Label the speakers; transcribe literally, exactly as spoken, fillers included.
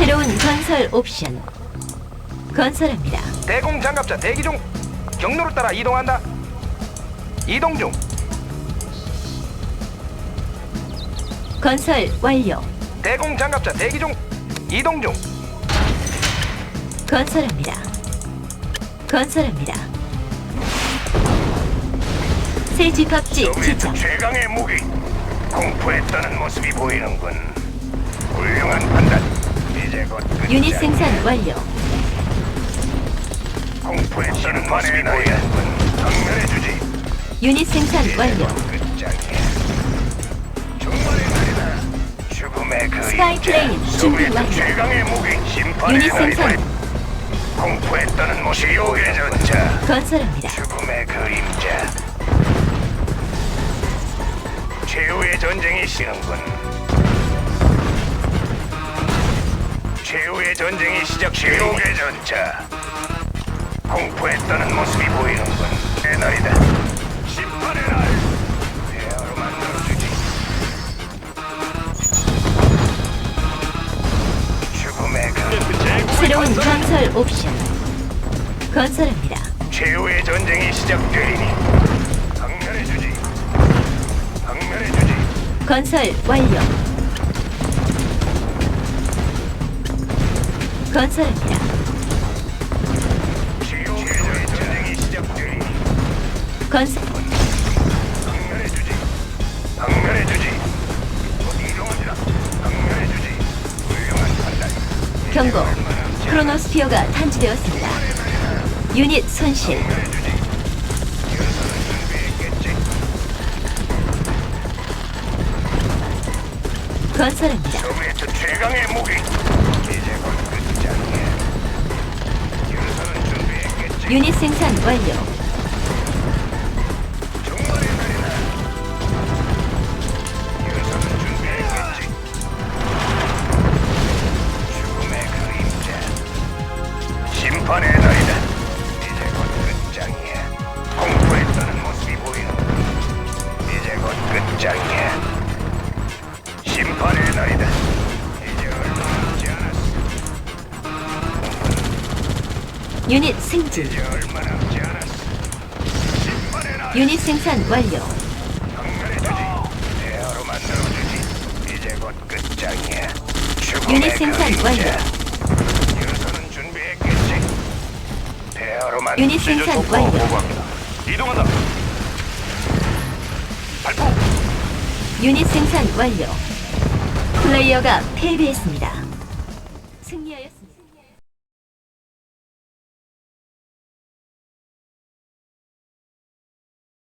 Speaker 1: 새로운 건설 옵션. 건설합니다.
Speaker 2: 대공 장갑차 대기 중. 경로를 따라 이동한다. 이동 중.
Speaker 1: 건설 완료.
Speaker 2: 대공 장갑차 대기 중. 이동 중.
Speaker 1: 건설합니다. 건설합니다. 새 집합지 지정.
Speaker 2: 최강의 무기. 공포에 떠는 모습이 보이는군. 훌륭한 판단. 이제 곧
Speaker 1: 유닛 생산 완료.
Speaker 2: 공포에 떠는 모습이 보이는군. 정면해주지.
Speaker 1: 유닛 생산 완료.
Speaker 2: 끝장이야. 정말의 날이다. 죽음의 그
Speaker 1: 스카이 플레인 준비 완료.
Speaker 2: 최강의 무기. 심판의
Speaker 1: 유닛
Speaker 2: 날이다.
Speaker 1: 생산.
Speaker 2: 공포에 떠는 모습이 요의 전차.
Speaker 1: 건설합니다.
Speaker 2: 죽음의 그림자. 최후의 전쟁이 시는군. 최후의 전쟁이 시작. 최후의 전차. 공포에 떠는 모습이 보이는군. 내 날이다. 심판의 날. 대화로 만들어주지. 죽음의 그
Speaker 1: 새로운 건설 옵션. 건설합니다.
Speaker 2: 최후의 전쟁이 시작되리니 강렬해주지. 강렬해주지.
Speaker 1: 건설 완료. 건설합니다.
Speaker 2: 최후의 전쟁이 시작되리니
Speaker 1: 건설.
Speaker 2: 강렬해주지. 강렬해주지. 이동하지라. 강렬해주지. 훌륭한 판단.
Speaker 1: 경고. 크로노스피어가 탐지되었습니다. 유닛 손실. 건설합니다.
Speaker 2: 소비에트 최강의 무기. 이제 곧 끝장이야. 유서는 준비했겠지.
Speaker 1: 유닛 생산 완료.
Speaker 2: 정말의 날이다. 유서는 준비했겠지. 죽음의 그림자. 심판의 날이다. 이제 곧 끝장이야. 공포에 떠는 모습이 보이는. 이제 곧 끝장이야. 심판의 날이다. 이제 얼마 남지 않았어.
Speaker 1: 유닛 승진.
Speaker 2: 이제 얼마 남지 않았어. 심판의 날.
Speaker 1: 유닛 생산 완료.
Speaker 2: 강렬해주지. 대화로 만들어주지. 이제 곧 끝장이야. 죽음의
Speaker 1: 유닛 생산
Speaker 2: 그림자.
Speaker 1: 완료.
Speaker 2: 유서는 준비했겠지. 대화로 만.
Speaker 1: 유닛 생산 완료.
Speaker 2: 보고합니다. 이동한다. 발포.
Speaker 1: 유닛 생산 완료. 플레이어가 패배했습니다. 승리하였습니다.